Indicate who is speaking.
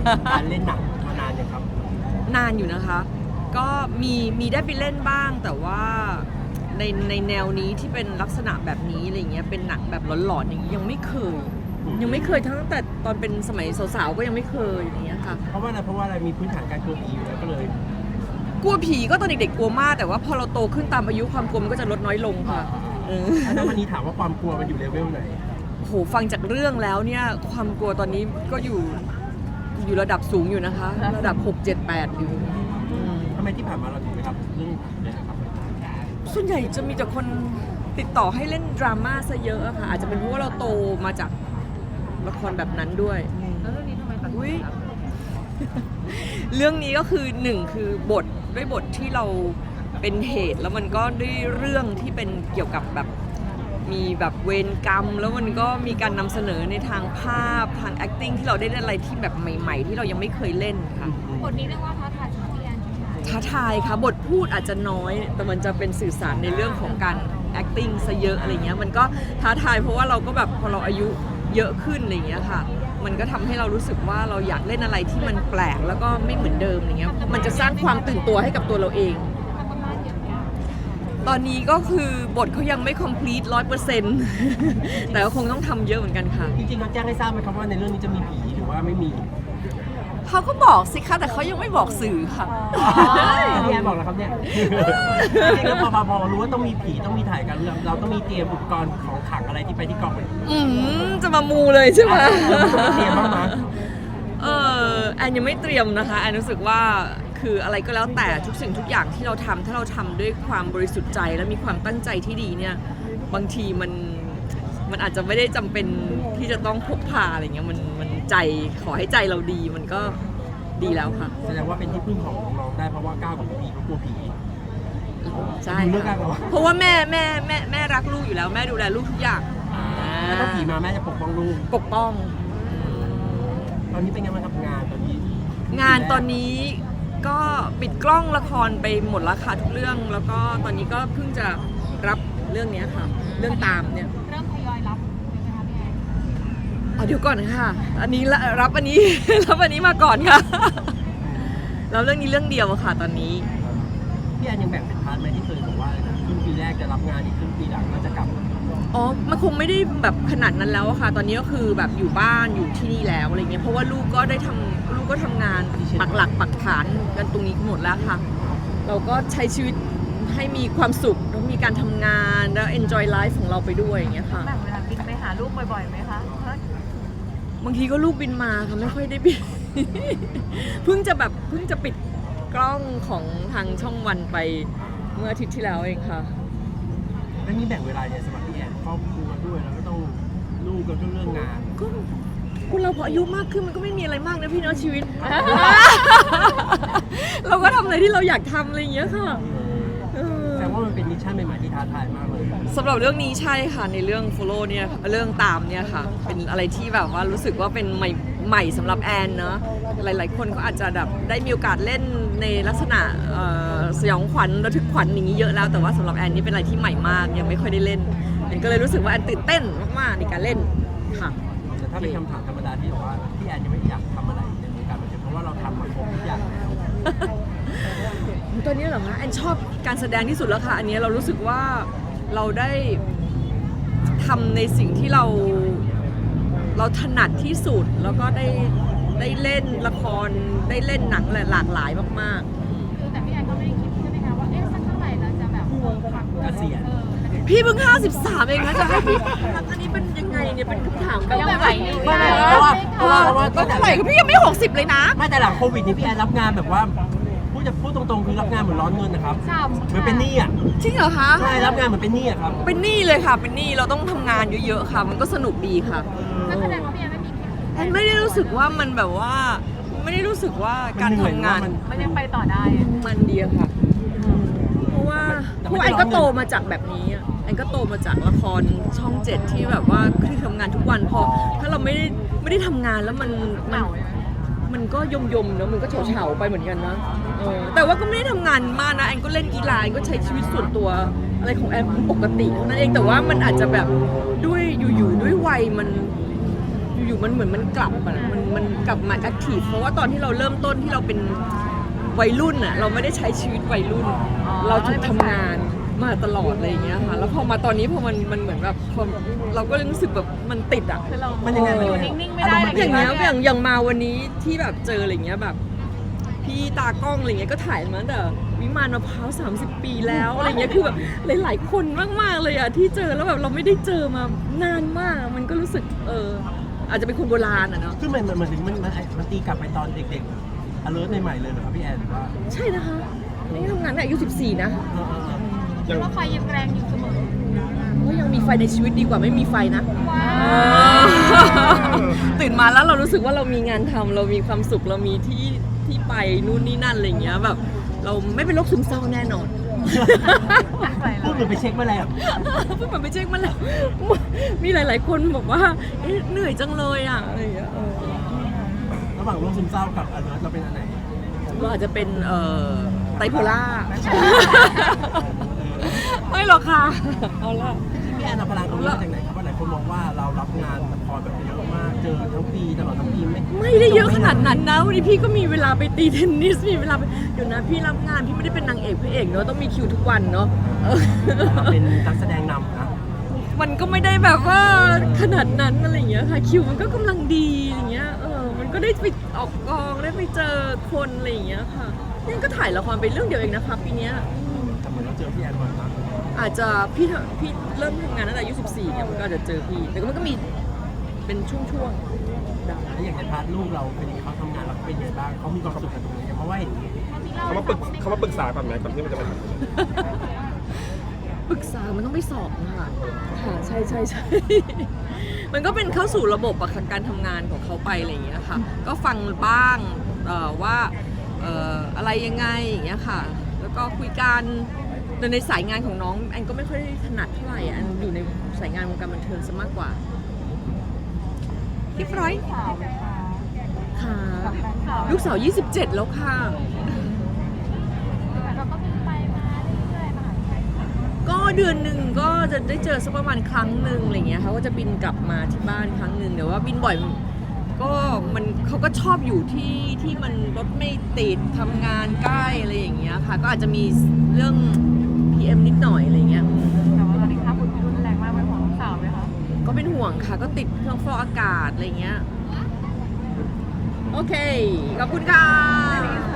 Speaker 1: การเล่นหนังมานานยังครับ
Speaker 2: นานอยู่นะคะก็มีได้ไปเล่นบ้างแต่ว่าในแนวนี้ที่เป็นลักษณะแบบนี้อะไรเงี้ยเป็นหนังแบบหลอนๆอย่างนี้ยังไม่เคยตั้งแต่ตอนเป็นสมัยสาวๆก็ยังไม่เคยอย่างเงี้ยค่ะ
Speaker 1: เพราะว่าอะไรมีพื้นฐานการกลัวผีอยู่แล้วก็เลย
Speaker 2: กลัวผีก็ตอนเด็กๆกลัวมากแต่ว่าพอเราโตขึ้นตามอายุความกลัวมันก็จะลดน้อยลงค่ะ
Speaker 1: แล้ววันนี้ถามว่าความกลัวมันอยู่เลเวลไหน
Speaker 2: โหฟังจากเรื่องแล้วเนี่ยความกลัวตอนนี้ก็อยู่ระดับสูงอยู่นะคะระดับ6 7 8อยู่
Speaker 1: ทำไมที่ผ่านมาเราถึงไม่รับเรื่องผีเลยครับ
Speaker 2: ส่วนใหญ่จะมีแต่คนติดต่อให้เล่นดราม่าซะเยอะอะค่ะอาจจะเป็นเพราะว่าเราโตมาจากละครแบบนั้นด้วย
Speaker 3: แล้วเรื่องนี้ทำไมตัดสินใจรับ
Speaker 2: เรื่องนี้ก็คือหนึ่งคือบทด้วยบทที่เราเป็นเหตุแล้วมันก็ด้วยเรื่องที่เป็นเกี่ยวกับแบบมีแบบเวรกรรมแล้วมันก็มีการนำเสนอในทางภาพทาง acting ที่เราได้เล่นอะไรที่แบบใหม่ๆที่เรายังไม่เคยเล่นค่ะ
Speaker 3: บทนี้เรียกว่าท้าทายสำหรับพี่แอน
Speaker 2: ท้าทายค่ะบทพูดอาจจะน้อยแต่มันจะเป็นสื่อสารในเรื่องของการ acting ซะเยอะอะไรเงี้ยมันก็ท้าทายเพราะว่าเราก็แบบพอเราอายุเยอะขึ้นอะไรเงี้ยค่ะมันก็ทำให้เรารู้สึกว่าเราอยากเล่นอะไรที่มันแปลกแล้วก็ไม่เหมือนเดิมอะไรเงี้ยมันจะสร้างความตื่นตัวให้กับตัวเราเองตอนนี้ก็คือบทเขายังไม่ complete 100% แต่ก็คงต้องทำเยอะเหมือนกันค่ะ
Speaker 1: จริงๆเขาแจ้งให้ทราบไหมครับว่าในเรื่องนี้จะมีผีหรือว่าไม่มี
Speaker 2: เขาก็บอกสิคะแต่เขายังไม่บอกสื่อค่ะ
Speaker 1: พี่แอนบอกแล้วครับเนี่ยจริงๆแล้วพอรู้ว่าต้องมีผีต้องมีถ่ายกันเราต้องมีเตรียมอุปกรณ์ของขลังอะไรที่ไปที่กองไหม
Speaker 2: จะมามูเลยใช่ไหม
Speaker 1: เตรียมบ้างไหม
Speaker 2: แอนยังไม่เตรียมนะคะแอนรู้สึกว่าคืออะไรก็แล้วแต่ทุกสิ่งทุกอย่างที่เราทำถ้าเราทำด้วยความบริสุทธิ์ใจและมีความตั้งใจที่ดีเนี่ยบางทีมันอาจจะไม่ได้จำเป็นที่จะต้องพกพาอะไรเงี้ยมันใจขอให้ใจเราดีมันก็ดีแล้วค่ะ
Speaker 1: แสดงว่าเป็นที่พึ่งของน้องได้เพราะว่าก้าวกับผีเขากลัวผี
Speaker 2: ใช่เพราะว่าแม่รักลูกอยู่แล้วแม่ดูแลลูกทุกอย่าง
Speaker 1: แล้วถ้าผีมาแม่จะปกป้องลูก
Speaker 2: ปกป้อง
Speaker 1: ตอนนี้เป็นไงบ้างครับงานตอน
Speaker 2: นี้ก็ปิดกล้องละครไปหมดแล้วค่ะทุกเรื่องแล้วก็ตอนนี้ก็เพิ่งจะรับเรื่องนี้ค่ะเรื่องตามเนี่ย
Speaker 3: เริ่มทยอยรับไหมคะพี่แอน
Speaker 2: เดี๋ยวก่อนค่ะอันนี้รับอันนี้ รับอันนี้มาก่อนค่ะแล้วเรื่องนี้เรื่องเดียวค่ะตอนนี้
Speaker 1: พี่แอนยังแบ่งเป็นพาร์ทไหมที่เคยบอกว่าครึ่งปีแรกจะรับงานอีกครึ่งปีหลังก็จะกลับ
Speaker 2: มันคงไม่ได้แบบขนาดนั้นแล้วค่ะตอนนี้ก็คือแบบอยู่บ้านอยู่ที่นี่แล้วอะไรเงี้ยเพราะว่าลูกก็ทำงานปักหลักปักฐานกันตรงนี้หมดแล้วค่ะเราก็ใช้ชีวิตให้มีความสุขแล้วมีการทำงานแล้ว enjoy life ของเราไปด้วยอย่างเงี้ยค่ะ
Speaker 3: แบ่งเวลาบินไปหาลูกบ่อยๆไหมคะ
Speaker 2: บางทีก็ลูกบินมาค่ะไม่ค่อยได้บิน เพิ่งจะปิดกล้องของทางช่องวันไปเมื่ออาทิตย์ที่แล้วเองค่ะ
Speaker 1: แล้วนี่แบ่งเวลาเนี่ยสำหรับพี่แอนครอบครัวด้วยแล้วก็ต้องลูกก็เรื่องงาน
Speaker 2: ก็คุณเราพออายุมากขึ้นมันก็ไม่มีอะไรมากนะพี่เนาะชีวิต เราก็ทำอะไรที่เราอยากทำอะไรอย่างเงี้ยค่ะ
Speaker 1: แต่ว่ามันเป็นมิชชั่นใหม่ๆที่ท้าทายมากเลย
Speaker 2: สำหรับเรื่องนี้ใช่ค่ะในเรื่อง follow เนี่ยเรื่องตามเนี่ยค่ะเป็นอะไรที่แบบว่ารู้สึกว่าเป็นใหม่สำหรับแอนเนาะหลายๆคนก็อาจจะแบบได้มีโอกาสเล่นในลักษณะสยองขวัญระทึกขวัญอย่างนี้เยอะแล้วแต่ว่าสำหรับแอนนี่เป็นอะไรที่ใหม่มากยังไม่ค่อยได้เล่นแอนก็เลยรู้สึกว่าแอนตื่นเต้นมากๆในการเล่นค่ะ
Speaker 1: แต่ถ้าเป็นคำถามธรรมดาที่บอกว่าพี่แอนยังไม่อยากทำอะไรในวงการบันเทิงเพราะว่าเราทำมาครบทุกอย่างแล้ว
Speaker 2: ตอนนี้เหรอคะแอนชอบการแสดงที่สุดแล้วค่ะอันนี้เรารู้สึกว่าเราได้ทำในสิ่งที่เราถนัดที่สุดแล้วก็ได้เล่นละครได้เล่นหนังหลากหลายมาก
Speaker 3: ๆคือแต่พี่แอนก็ไม่ได้คิดใช่ไหมคะว่าสักเท่าไหร่เราจะแบบ
Speaker 1: เกษียณ
Speaker 2: พี่เพิ่ง53เองนะจะให้พี่อันนี้เป็นยังไงเนี่ยเป็นคำถาม
Speaker 3: แบบไหน
Speaker 1: เพราะว่า
Speaker 2: ก็เท่าไหร่ก็พี่ยังไม่60เลยนะ
Speaker 1: ไม่แต่หลังโควิดนี่พี่แอนรับงานแบบว่าพูดตรงๆคือรับงานเหมือนร้อนเงินนะครับเหมือนเป็นหนี้อ่ะ
Speaker 2: จริงเหรอคะ
Speaker 1: ใช่รับงานเหมือนเป็นหนี้อ่ะครับ
Speaker 2: เป็นหนี้เลยค่ะเป็นหนี้เราต้องทำงานเยอะๆค่ะมันก็สนุกดีค่ะ
Speaker 3: แล้วแสดงว่าพี่แอนไม่มี
Speaker 2: แอนไม่ได้รู้สึกว่ามันแบบว่าไม่ได้รู้สึกว่าการทำงาน
Speaker 3: มันยังไปต่อได้
Speaker 2: มันดีค่ะเพราะว่าแอนก็โตมาจากแบบนี้แอนก็โตมาจากละครช่อง7ที่แบบว่าคือทำงานทุกวันพอถ้าเราไม่ได้ทำงานแล้วมันก็ยมๆเนอะมันก็เฉาๆไปเหมือนกันนะแต่ว่าก็ไม่ได้ทำงานมากนะแอนก็เล่นกีฬาแอนก็ใช้ชีวิตส่วนตัวอะไรของแอนปกตินั่นเองแต่ว่ามันอาจจะแบบด้วยอยู่ๆด้วยวัยอยู่ๆมันเหมือนมันกลับอะมันกลับมาแอคทีฟเพราะว่าตอนที่เราเริ่มต้นที่เราเป็นวัยรุ่นอะเราไม่ได้ใช้ชีวิตวัยรุ่น เราถูกทำงานมาตลอดอะไรอย่างเงี้ยค่ะแล้วพอมาตอนนี้พอมันเหมือนแบบพอเราก็เลยรู้สึกแบบมันติดอะ
Speaker 3: คือเรา
Speaker 1: มันยังไง
Speaker 3: อยู่นิ่งๆไม่ได้
Speaker 2: อย่างเงี้ยอย่างมาวันนี้ที่แบบเจออะไรเงี้ยแบบพี่ตากล้องอะไรเงี้ยก็ถ่ายมาตั้งแต่วิมานมะพร้าว30 ปีแล้วอะไรเงี้ยคือแบบหลายๆคนมากๆเลยอะที่เจอแล้วแบบเราไม่ได้เจอมานานมากมันก็รู้สึกอาจจะเป็นคนโบราณอะเนาะ
Speaker 1: คือมันตีกลับไปตอนเด็กๆ alert ใหม่ๆเลยเหรอครับพี่แอนหรือว่า
Speaker 2: ใช่นะคะนี่ทำงานตั้งแต่อายุ14นะ
Speaker 3: คิดว่าไฟยังแรงอยู่เสมอ
Speaker 2: ก็ยังมีไฟในชีวิตดีกว่าไม่มีไฟนะ
Speaker 3: ว้าว
Speaker 2: ตื่นมาแล้วเรารู้สึกว่าเรามีงานทำเรามีความสุขเรามีที่ไปนู่นนี่นั่นอะไรเงี้ยแบบเราไม่เป็นโรคซึมเศร้าแน่นอน
Speaker 1: พูดเหมือนไปเช็คมาแล้ว
Speaker 2: เพิ่งไปเช็คมาแล้ว มีหลาย ๆ คนบอกว่าเอ๊ะเหนื่อยจังเลยอ่ะอะไรอย่างเงี้ย
Speaker 1: ระหว่างโรคซึมเศร้ากับ alert เราเป็นอันไหน
Speaker 2: เราอาจจะเป็นไบโพล่า ไม่หรอกค่ะเอาละ
Speaker 1: พี่แอนเอาพลังตรงนี้มาจากไหนครับว่าหลายคนมองว่าเรารับงานละครแบบเยอะมากเจอทั้งปีตลอดทั้งปี
Speaker 2: ไม่ได้เยอะขนาดนั้นนะวันนี้พี่ก็มีเวลาไปตีเทนนิสมีเวลาไปเดี๋ยวนะพี่รับงานพี่ไม่ได้เป็นนางเอกพระเอกเนอะต้องมีคิวทุกวันเนาะ
Speaker 1: เป็นนักแสดงนำนะ
Speaker 2: มันก็ไม่ได้แบบว่าขนาดนั้นอะไรอย่างเงี้ยค่ะคิวมันก็กำลังดีอย่างเงี้ยมันก็ได้ไปออกกองได้ไปเจอคนอะไรอย่างเงี้ยค่ะนี่ก็ถ่ายละครไปเรื่องเดียวเองนะคะปีเนี้ย
Speaker 1: แต่เหมือนเราเจอพี่แอนบ่อยมาก
Speaker 2: อาจจะพี่เริ่มทำงานตั้งแต่อายุ14เนี่ยมันก็อาจจะเจอพี่แต่ก็มันก็มีเป็นช่วงๆดัง
Speaker 1: แล้วอย่างในพาร์ทลูกเราเป็นยังไงเขาทำงานเราเป็นยังไงบ้างเขามีความสุขกับตรงนี้เพราะว่าเห็น
Speaker 4: เขามาปรึกษาก่อนไหมก่อนที่มันจะมาทำ
Speaker 2: ปรึกษามันต้องไปสอบค่ะใช่ มันก็เป็นเข้าสู่ระบบอะค่ะการทำงานของเขาไปอะไรอย่างเงี้ยค่ะก็ฟังบ้างว่าอะไรยังไงอย่างเงี้ยค่ะแล้วก็คุยกันแต่ในสายงานของน้องแอนก็ไม่ค่อยถนัดเท่าไหร่แอนอยู่ในสายงานวงการบันเทิงซะมากกว่าเรียบร้อย
Speaker 3: สาวไหมคะ
Speaker 2: ค่ะ
Speaker 3: กับแฟนสาว
Speaker 2: ลูกสาว27แล้วค่ะ
Speaker 3: เราก็มีไปมาเรื่อยๆมหาวิทยาลัย
Speaker 2: ก็เดือนหนึ่งก็จะได้เจอสักประมาณครั้งหนึ่งอะไรเงี้ยเขาก็จะบินกลับมาที่บ้านครั้งหนึ่งแต่ว่าบินบ่อยก็เขาก็ชอบอยู่ที่มันรถไม่ติดทำงานใกล้อะไรอย่างเงี้ยค่ะก็อาจจะมีเรื่อง PM นิดหน่อยอะไรเงี้ย
Speaker 3: แต่ว่าตอนนี้ค่าฝุ่นรุนแรงมากเป็นห่วงลูกสาวไหมคะ
Speaker 2: ก็เป็นห่วงค่ะก็ติดเครื่องฟอกอากาศอะไรเงี้ยโอเคขอบคุณค่ะ